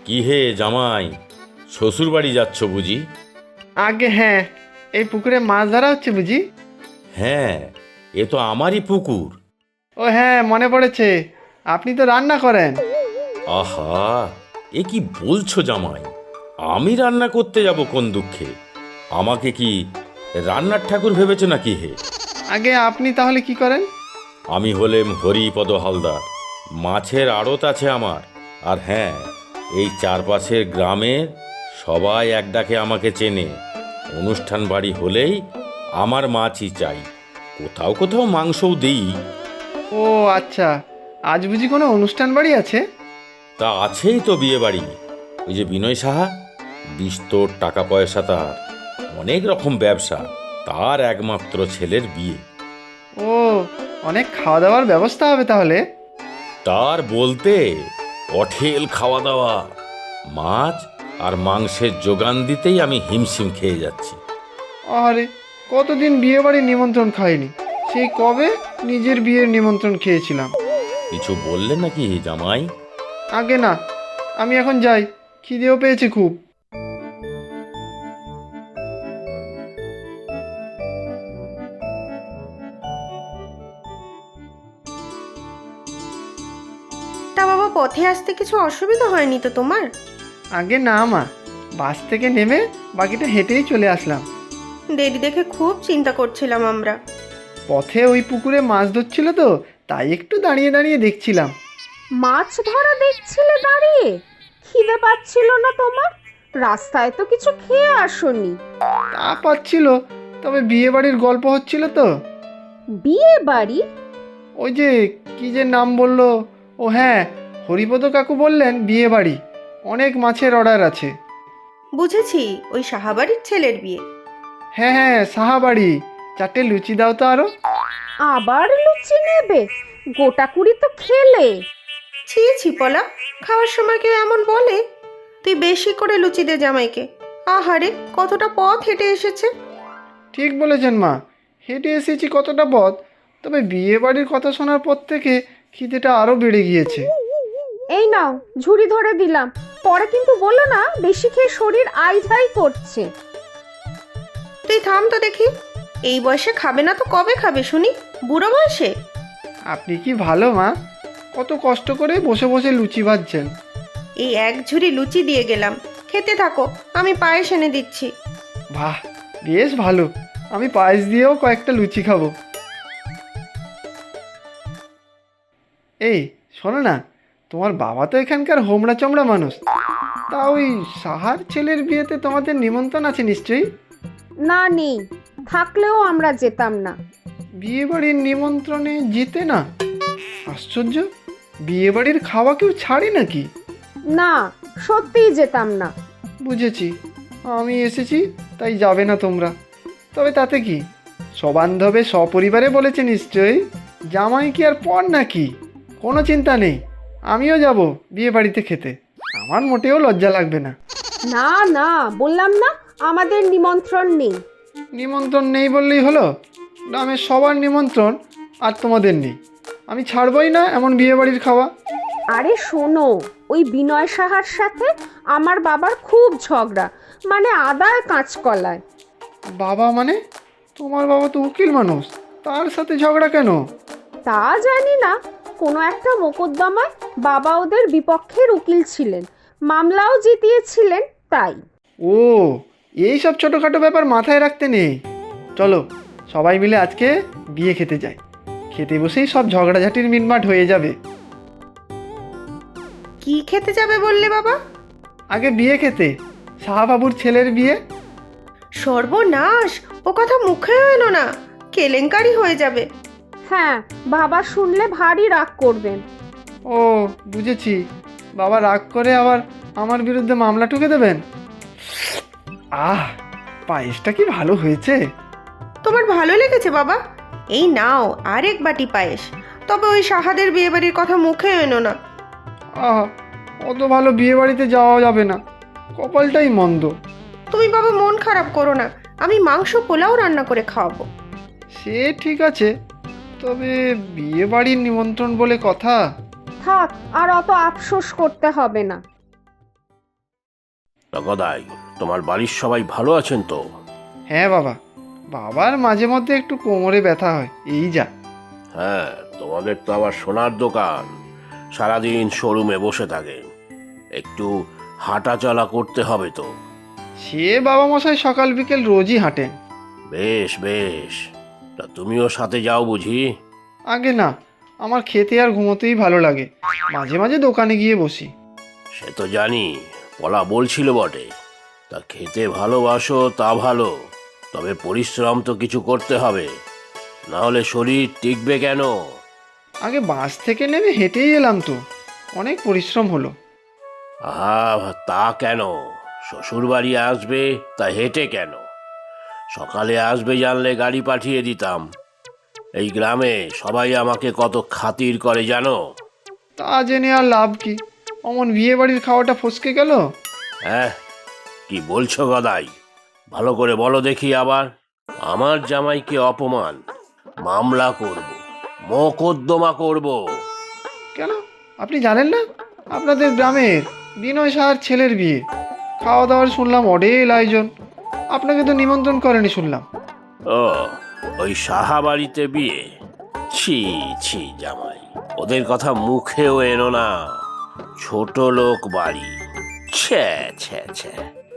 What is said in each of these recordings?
কি হে জামাই, শ্বশুর বাড়ি যাচ্ছ বুঝি? আগে হ্যাঁ, এই পুকুরে মাছ ধরা হচ্ছে বুঝি? হ্যাঁ, এ তো আমারই পুকুর। ও হ্যাঁ, মনে পড়েছে, আপনি তো রান্না করেন। আহা, এ কি বলছো জামাই? আমি রান্না করতে যাব কোন দুঃখে? আমাকে কি রান্নার ঠাকুর ভেবেছো নাকি হে? আগে আপনি তাহলে কি করেন? আমি হলেম হরিপদ হালদার। মাছের আড়ত আছে আমার। আর হ্যাঁ, এই চারপাশের গ্রামের সবাই এক ডাকে আমাকে চেনে। অনুষ্ঠান বাড়ি হলেই আমার মাছই চাই। কোথাও কোথাও মাংসও দিই। ও আচ্ছা, আজ বুঝি কোনো অনুষ্ঠান বাড়ি আছে? তা আছেই তো বিয়ে বাড়ি। ওই যে বিনয় সাহা, বিস্তর টাকা পয়সা তার, অনেক রকম ব্যবসা, তার একমাত্র ছেলের বিয়ে। ও, অনেক খাওয়া দাওয়ার ব্যবস্থা হবে তাহলে। তার বলতে অঠেল খাওয়া দাওয়া, মাছ আর মাংসের যোগান দিতেই আমি হিমশিম খেয়ে যাচ্ছি। আরে, কতদিন বিয়ে বাড়ির নিমন্ত্রণ খাইনি, সেই কবে নিজের বিয়ের নিমন্ত্রণ খেয়েছিলাম। কিছু বললে নাকি জামাই? আগে না, আমি এখন যাই, খিদেও পেয়েছে খুব। তা বাবা, পথে আসতে কিছু অসুবিধা হয়নি তো তোমার? আগে না মা, বাস থেকে নেমে বাকিটা হেঁটেই চলে আসলাম। দেরি দেখে খুব চিন্তা করছিলাম আমরা। পথে ওই পুকুরে মাছ ধরছিল তো, তাই একটু দাঁড়িয়ে দাঁড়িয়ে দেখছিলাম। মাছ ধরা দেখছিলে দাঁড়িয়ে? খিদে পাচ্ছিল না তোমার? রাস্তায় তো কিছু খেয়ে আসোনি। তা পাচ্ছিল, তবে বিয়ে বাড়ির গল্প হচ্ছিল তো। বিয়ে বাড়ি? ওই যে কি যে নাম বললো, ও হ্যাঁ, হরিপদ কাকু বললেন বিয়ে বাড়ি, অনেক মাছের অর্ডার আছে। বুঝেছি, ওই সাহাবাড়ির ছেলের বিয়ে। হ্যাঁ হ্যাঁ, সাহাবাড়ি। 4টে লুচি দাও তো আরো। আবার লুচি নেবে? গোটা কুড়ি তো খেলে। ছি ছি পলা, খাওয়ার সময় কেউ এমন বলে? তুই বেশি করে লুচি দে জামাইকে। আহারে, কতটা পথ হেঁটে এসেছে। ঠিক বলেছেন মা, হেঁটে এসেছি কতটা পথ, তবে বিয়ে বাড়ির কথা শোনার পর থেকে খিদেটা আরো বেড়ে গিয়েছে। এই নাও, ঝুড়ি ধরে দিলাম। পরে কিন্তু বলো না বেশি খেয়ে শরীর আইঝাই করছে। তুই থাম তো দেখি, এই বয়সে খাবে না তো কবে খাবে শুনি? বুড়ো বয়সে? আপনি কি ভালো মা, কত কষ্ট করে বসে বসে লুচি ভাজছেন। এই এক ঝুড়ি লুচি দিয়ে গেলাম, খেতে থাকো, আমি পায়েস এনে দিচ্ছি। বাহ, বেশ ভালো, আমি পায়েস দিয়েও কয়েকটা লুচি খাবো। এই শোনো না, তোমার বাবা তো এখানকার হোমড়া চমড়া মানুষ, তা ওই সাহার ছেলের বিয়েতে তোমাদের নিমন্ত্রণ আছে নিশ্চয়ই? না, নেই। থাকলেও আমরা যেতাম না। বিয়ে বাড়ির নিমন্ত্রণে যেতে না? আশ্চর্য, বিয়ে বাড়ির খাওয়া কেউ ছাড়ে নাকি? না, সত্যিই যেতাম না। বুঝেছি, আমি এসেছি তাই যাবে না তোমরা। তবে তাতে কি, সবান্ধবে সপরিবারে বলেছে নিশ্চয়ই, জামাই কি আর পর নাকি? কোনো চিন্তা নেই, আমিও যাব বিয়ে বাড়িতে খেতে, আমার মোটেও লজ্জা লাগবে না। না না, বললাম না আমাদের নিমন্ত্রণ নেই। নিমন্ত্রণ নেই বললেই হলো? গ্রামের সবার নিমন্ত্রণ আর তোমাদের নেই, আমি ছাড়বই না এমন বিয়ে বাড়ির খাওয়া। আরে শোনো, ওই বিনয় সাহার সাথে আমার বাবার খুব ঝগড়া, মানে আদায় কাঁচকলায়। বাবা মানে? তোমার বাবা তো উকিল মানুষ, তার সাথে ঝগড়া কেন? তা জানি না, কোনো একটা মোকদ্দমায় বাবা ওদের বিপক্ষের উকিল ছিলেন, মামলাও জিতিয়েছিলেন তাই। ও, এই সব ছোটোখাটো ব্যাপার মাথায় রাখতে নেই। চলো সবাই মিলে আজকে বিয়ে খেতে যাই, খেতে বসেই সব ঝগড়াঝাটির মিটমাট হয়ে যাবে। কি খেতে যাবে বললে বাবা? আগে বিয়ে খেতে, সাহাবাবুর ছেলের বিয়ে। সর্বনাশ, ও কথা মুখেও এলো না, কেলেঙ্কারি হয়ে যাবে। হ্যাঁ, বাবা শুনলে ভারী রাগ করবেন। ও বুঝেছি, বাবা রাগ করে আবার আমার বিরুদ্ধে মামলা ঠুকে দেবেন। আহ, পায়েসটা কি ভালো হয়েছে। তোমার ভালো লেগেছে বাবা? এই নাও আরেক বাটি পায়েস। তবে ওই সাহাদের বিয়ে বাড়ির কথা মুখে এনো না। আহ, অত ভালো বিয়ে বাড়িতে যাওয়া যাবে না, কপালটাই মন্দ। তুমি বাবা মন খারাপ করো না, আমি মাংস পোলাও রান্না করে খাওয়াবো। সে ঠিক আছে, তবে বিয়ে বাড়ির নিমন্ত্রণ বলে কথা। থাক, আর অত আফসোস করতে হবে না। তা গদাই, তোমার বাড়ির সবাই ভালো আছেন তো? হ্যাঁ বাবা, বাবার মাঝে মধ্যে একটু কোমরে ব্যথা হয়, এই যা। হ্যাঁ, তোমাদের তো আবার সোনার দোকান, সারাদিন শোরুমে বসে থাকেন, একটু হাঁটা চলা করতে হবে তো। সে বাবা মশাই সকাল বিকেল রোজই হাঁটেন। বেশ বেশ, তা তুমিও সাথে যাও বুঝি? আগে না, আমার খেতে আর ঘুমোতেই ভালো লাগে, মাঝে মাঝে দোকানে গিয়ে বসি। সে তো জানি, পলা বলছিল বটে। তা খেতে ভালোবাসো তা ভালো, তবে পরিশ্রম তো কিছু করতে হবে, না হলে শরীর টিকবে কেন? আগে বাস থেকে নেমে হেঁটেই এলাম তো, অনেক পরিশ্রম হলো। আহা, তা কেন? শ্বশুর বাড়ি আসবে তা হেঁটে কেন? সকালে আসবে জানলে গাড়ি পাঠিয়ে দিতাম। এই গ্রামে সবাই আমাকে কত খাতির করে জানো? তা জেনে আর লাভ কি, অমন বিয়ে বাড়ির খাওয়াটা ফসকে গেল। হ্যাঁ, কি বলছো গদাই? ভালো করে বলো দেখি আবার। আমার জামাইকে অপমান, মামলা করব, মোকদ্দমা করব। কেন, আপনি জানেন না আপনাদের গ্রামের বিনয় সাহার ছেলের বিয়ে? খাওয়া দাওয়ার শুনলাম অডেল আয়োজন, আপনাকে তো নিমন্ত্রণ করেনি শুনলাম। ও, ওই সাহা বাড়িতে বিয়ে? ছি ছি জামাই, ওদের কথা মুখেও এনো না, ছোট লোক বাড়ি। ছ্যা ছ্যা ছ্যা।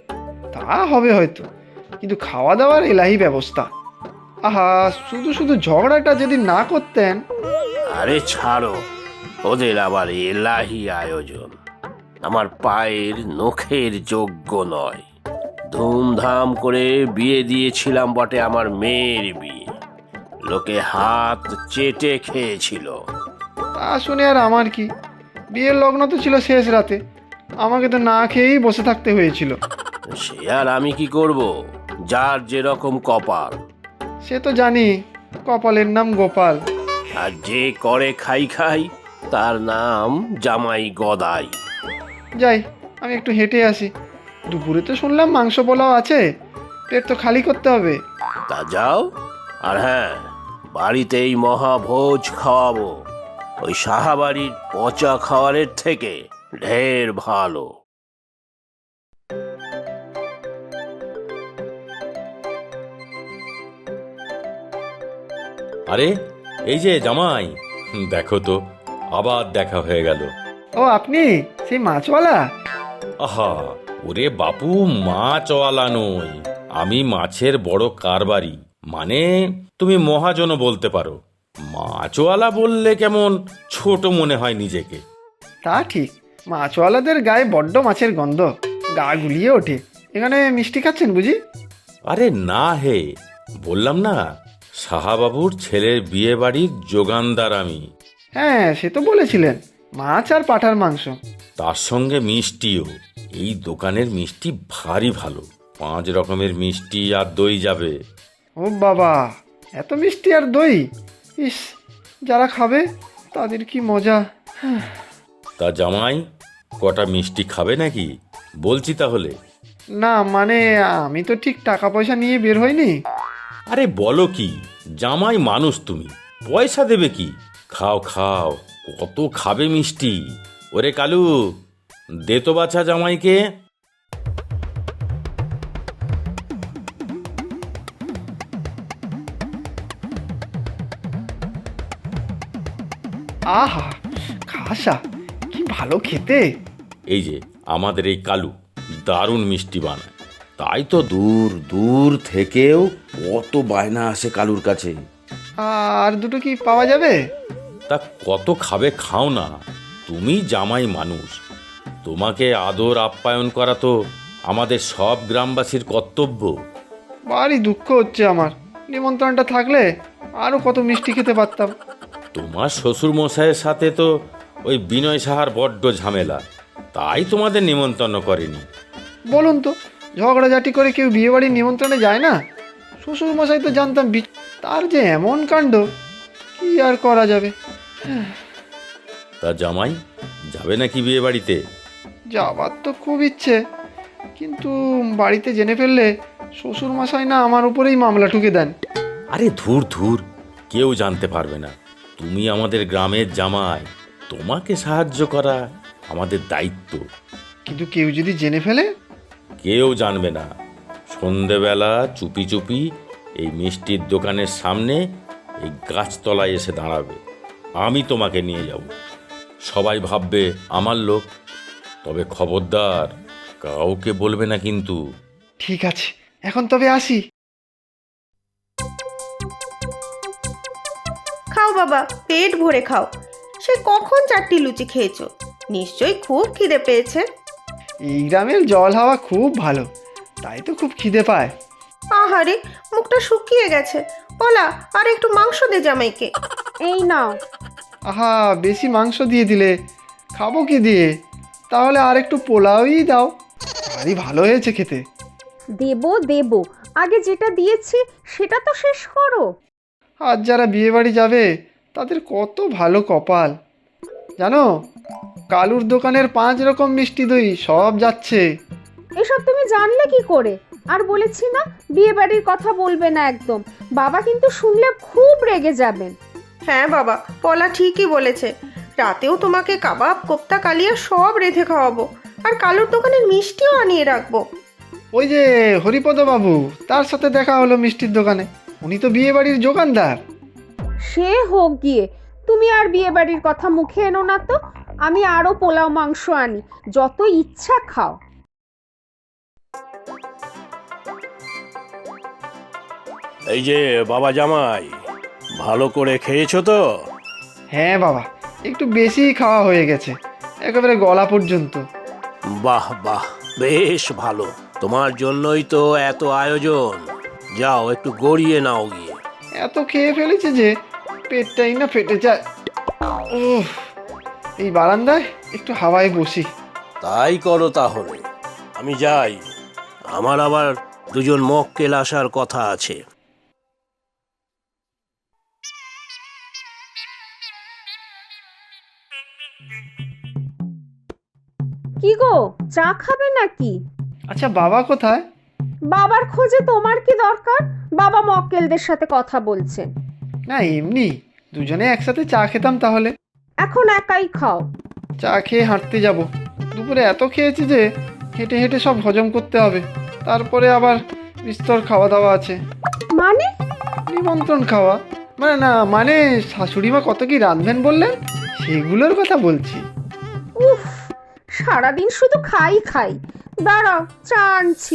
তা হবে হয়তো, কিন্তু খাওয়া দাওয়ার এলাহি ব্যবস্থা। আহা, শুধু শুধু ঝগড়াটা যদি না করতেন। আরে ছাড়ো, ওদের আবার এলাহি আয়োজন আমার পায়ের নখের যোগ্য নয়। ধুমধাম করে বিয়ে দিয়েছিলাম বটে, আমার মেয়ের বিয়ে, লোকে হাত চেটে খেয়েছিল। তা শুনে আর আমার কি, বিয়ের লগ্ন তো ছিল শেষ রাতে, আমাকে তো না খেয়েই বসে থাকতে হয়েছিল। সে আর আমি কি করব, যার যেরকম কপাল। সে তো জানি, কপালের নাম গোপাল। আর যে করে খাই খাই, তার নাম জামাই গদাই। যাই, আমি একটু হেঁটে আসি, দুপুরে তো শুনলাম মাংস পোলাও আছে, পেট তো খালি করতে হবে। তা যাও, আর হ্যাঁ, বাড়িতেই মহাভোজ খাওয়াবো, ওই সাহাবাড়ির পচা খাওয়ারের থেকে ঢের ভালো। আরে এই যে জামাই, দেখো তো, আবার দেখা হয়ে গেল। ও আপনি সেই মাছওয়ালা? আহা, ওরে বাপু, মাছওয়ালা নই, আমি মাছের বড় কারবারি, মানে তুমি মহাজনও বলতে পারো। মাছওয়ালা বললে কেমন ছোট মনে হয় নিজেকে। তা ঠিক, মাছওয়ালাদের গায়ে বড্ড মাছের গন্ধ, গা গুলিয়ে ওঠে। এখানে মিষ্টি খাচ্ছেন বুঝি? আরে না হে, বললাম না, সাহাবাবুর ছেলের বিয়ে বাড়ির যোগানদার আমি। হ্যাঁ, সে তো বলেছিলেন, মাছ আর পাঁঠার মাংস। তার সঙ্গে মিষ্টিও। এই দোকানের মিষ্টি ভারী ভালো, 5 রকমের মিষ্টি আর দই যাবে। ও বাবা, এত মিষ্টি আর দই! ইস, যারা খাবে তাদের কি মজা। তা জামাই, কটা মিষ্টি খাবে নাকি? বলছি তাহলে। না মানে, আমি তো ঠিক টাকা পয়সা নিয়ে বের হইনি। আরে বলো কি, জামাই মানুষ তুমি, পয়সা দেবে কি? খাও খাও, কত খাবে মিষ্টি। ওরে কালু, দে তো বাছা জামাইকে। আহা, খাসা, কি ভালো খেতে! এই যে আমাদের এই কালু দারুণ মিষ্টি বানায়, তাই তো দূর দূর থেকেও কত বায়না আসে কালুর কাছে। আর দুটো কি পাওয়া যাবে? তা কত খাবে খাও না, তুমি জামাই মানুষ, তোমাকে আদর আপ্যায়ন করা তো আমাদের সব গ্রামবাসীর কর্তব্য। ভারী দুঃখ হচ্ছে আমার, নিমন্ত্রণটা থাকলে আরও কত মিষ্টি খেতে পারতাম। তোমার শ্বশুর মশাইয়ের সাথে তো ওই বিনয় সাহার বড্ড ঝামেলা, তাই তোমাদের নিমন্ত্রণ করেনি। বলুন তো, ঝগড়াঝাটি করে কেউ বিয়েবাড়ির নিমন্ত্রণে যায় না? শ্বশুর মশাই তো জানতাম, তার যে এমন কাণ্ড, কি আর করা যাবে। তা জামাই, যাবে নাকি বিয়ে বাড়িতে? যাবার তো খুব ইচ্ছে, কিন্তু বাড়িতে জেনে ফেললে শ্বশুর মশাই না আমার উপরেই মামলা ঠুকে দেন। আরে ধুর ধুর, কেউ জানতে পারবে না, তুমি আমাদের গ্রামের জামাই, তোমাকে সাহায্য করা আমাদের দায়িত্ব। কিন্তু কেউ যদি জেনে ফেলে? কেউ জানবে না। সন্ধেবেলা চুপি চুপি এই মিষ্টির দোকানের সামনে এই গাছতলায় এসে দাঁড়াবে। আমি তোমাকে নিয়ে যাব। সবাই ভাববে আমার লোক। তবে খবরদার, কাউকে বলবে না কিন্তু। ঠিক আছে, এখন তবে আসি। খাও বাবা, পেট ভরে খাও। সে কখন 4টি লুচি খেয়েছো? নিশ্চয়ই খুব খিদে পেয়েছে। এই গ্রামের জল হাওয়া খুব ভালো, তাই তো খুব খিদে পায়। আহারে, মুখটা শুকিয়ে গেছে। পলা, আর একটু মাংস দে জামাইকে। এই নাও। আহা, বেশি মাংস দিয়ে দিলে, খাবো কি দিয়ে? তাহলে আর একটু পোলাওই দাও, ভারী ভালো হয়েছে খেতে। দেবো দেবো, আগে যেটা দিয়েছি সেটা তো শেষ করো। আজ যারা বিয়ে বাড়ি যাবে তাদের কত ভালো কপাল জানো। কালুর দোকানের 5 রকম মিষ্টি দই সব যাচ্ছে। এসব তুমি জানলে কি করে? আর বলেছি না, বিয়ে বাড়ির কথা বলবে না একদম। বাবা কিন্তু শুনলে খুব রেগে যাবেন। হ্যাঁ বাবা, পলা ঠিকই বলেছে। রাতেও তোমাকে কাবাব, কোপ্তা, কালিয়া সব রেঁধে খাওয়াবো। আর কালুর দোকানের মিষ্টিও আনিয়ে রাখবো। ওই যে হরিপদ বাবু, তার সাথে দেখা হলো মিষ্টির দোকানে। উনি তো বিয়ে বাড়ির দোকানদার। সে হোক গিয়ে, তুমি আর বিয়ে বাড়ির কথা মুখে এনো না তো। আমি আরো পোলাও মাংস আনি, যত ইচ্ছা খাও। এই যে বাবা জামাই, ভালো করে খেয়েছো তো? হ্যাঁ বাবা, একটু বেশি খাওয়া হয়ে গেছে, একেবারে গলা পর্যন্ত। বাহ বাহ, বেশ ভালো। তোমার জন্যই তো এত আয়োজন। যাও একটু গড়িয়ে নাও গিয়ে। এত খেয়ে ফেলেছে যে পেটটাই না ফেটে যায়। উফ, এই বারান্দায় একটু হাওয়ায় বসি। তাই করো তাহলে। আমি যাই, আমার আবার 2জন মক্কেল আসার কথা আছে। কি গো, চা খাবে নাকি? আচ্ছা, বাবা কোথায়? বাবার খোঁজে তোমার কি দরকার? বাবা মক্কেলদের সাথে কথা বলছেন। না, এমনি দুজনে একসাথে চা খেতাম তাহলে। এখন একাই খাও। চা খেয়ে হাঁটতে যাব। দুপুরে এত খেয়েছি যে হেঁটে হেঁটে সব হজম করতে হবে। তারপরে আবার বিস্তর খাওয়া দাওয়া আছে। মানে? নিমন্ত্রণ খাওয়া মানে না, মানে শাশুড়িমা কত কি রাঁধবেন বললেন, সেগুলোর কথা বলছি। উফ, সারাদিন শুধু খাই খাই। দাঁড়াও, চা আনছি।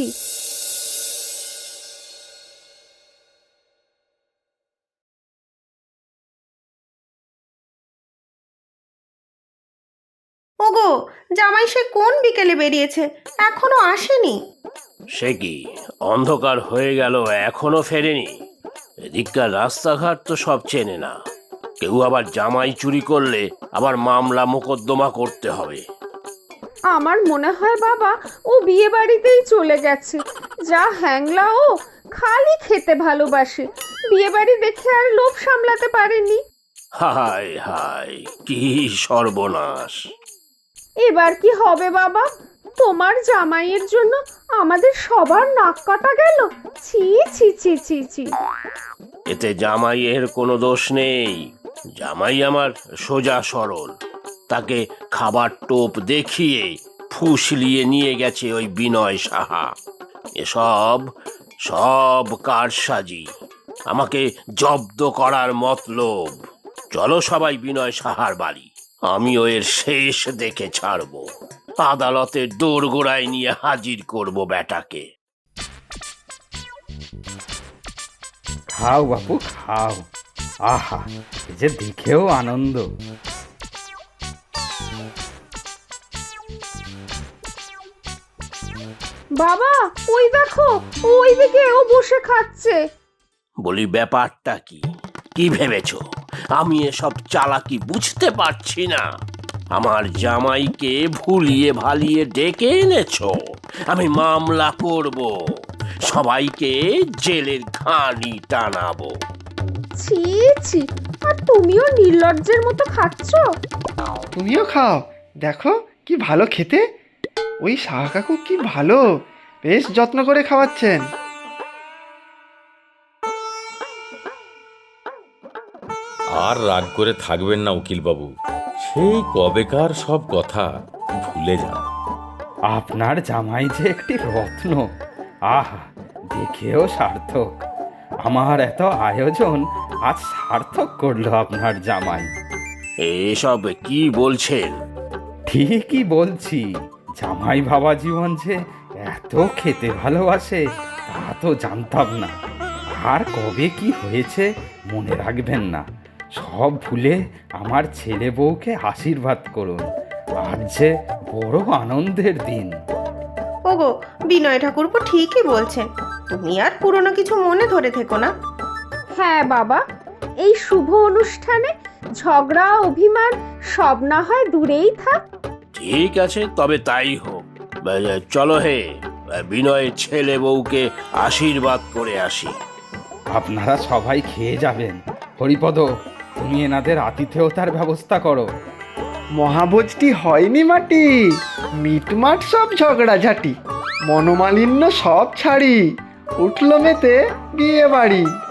ওগো, জামাই সে কোন বিকেলে বেরিয়েছে, এখনো আসেনি? সে কি, অন্ধকার হয়ে গেল এখনো ফেরেনি? এদিককার রাস্তাঘাট তো সব চেনে না। কেউ আবার জামাই চুরি করলে আবার মামলা মোকদ্দমা করতে হবে। আমার মনে হয় বাবা ও বিয়ে বাড়িতেই চলে গেছে। যা হ্যাংলা ও, খালি খেতে ভালোবাসে। বিয়ে বাড়ি দেখে আর লোভ সামলাতে পারেনি। হায় হায়, কি সর্বনাশ! এবার কি হবে বাবা? তোমার জামাইয়ের জন্য আমাদের সবার নাক কাটা গেল। ছি ছি ছি ছি ছি। এতে জামাইয়ের কোনো দোষ নেই। জামাই আমার সোজা সরল। তাকে খাবার টোপ দেখিয়ে ফুসলিয়ে নিয়ে গেছে ওই বিনয় সাহা। এসব সব কারসাজি, আমাকে জব্দ করার মতলব। চলো সবাই বিনয় সাহার বাড়ি, আমিও এর শেষ দেখে ছাড়বো। আদালতের দোরগোড়ায় নিয়ে হাজির করব বেটাকে। খাও বাপু খাও। আহা, এ যে দেখেও আনন্দ। বাবা, ওই দেখো, ওইদিকে ও বসে খাচ্ছে। বলি, ব্যাপারটা কি? কি ভেবেছো আমি এসব চালাকি বুঝতে পারছি না? আমার জামাইকে ভুলিয়ে ভালিয়ে ডেকে এনেছো। আমি মামলা করব, সবাইকে জেলের ঘানি টানাবো। ছি ছি, আর তুমিও নির্লজ্জের মতো খাচ্ছ। তুমিও খাও, দেখো কি ভালো খেতে। ওই সাহা কাকু কি ভালো, বেশ যত্ন করে খাওয়াচ্ছেন। আর রাগ করে থাকবেন না উকিলবাবু। সেই কবেকার সব কথা ভুলে যান। আপনার জামাই যে একটি রত্ন। আহা, দেখেও সার্থক। আমার এত আয়োজন আজ সার্থক করলো আপনার জামাই। এসব কি বলছেন? ঠিকই বলছি। জামাই বাবা জীবন যে এত খেতে ভালোবাসে তা তো জানতাম না। আর কবে কি হয়েছে মনে রাখবেন না। সব ভুলে আমার ছেলে বউকে আশীর্বাদ করুন। আজ যে বড় আনন্দের দিন। ওগো, বিনয় ঠাকুরপো ঠিকই বলছেন। তুমি আর পুরনো কিছু মনে ধরে থেকো না। হ্যাঁ বাবা, এই শুভ অনুষ্ঠানে ঝগড়া অভিমান সব না হয় দূরেই থাক। ঠিক আছে, তবে তাই হোক। চলো হে, বিনয়ের ছেলে বউকে আশীর্বাদ করে আসি। আপনারা সবাই খেয়ে যাবেন। হরিপদ, তুমি এনাদের আতিথেয়তার ব্যবস্থা করো। মহাভোজটি হয়নি মাটি, মিটমাট সব ঝগড়াঝাটি, মনোমালিন্য সব ছাড়ি, উঠল মেতে বিয়ে বাড়ি।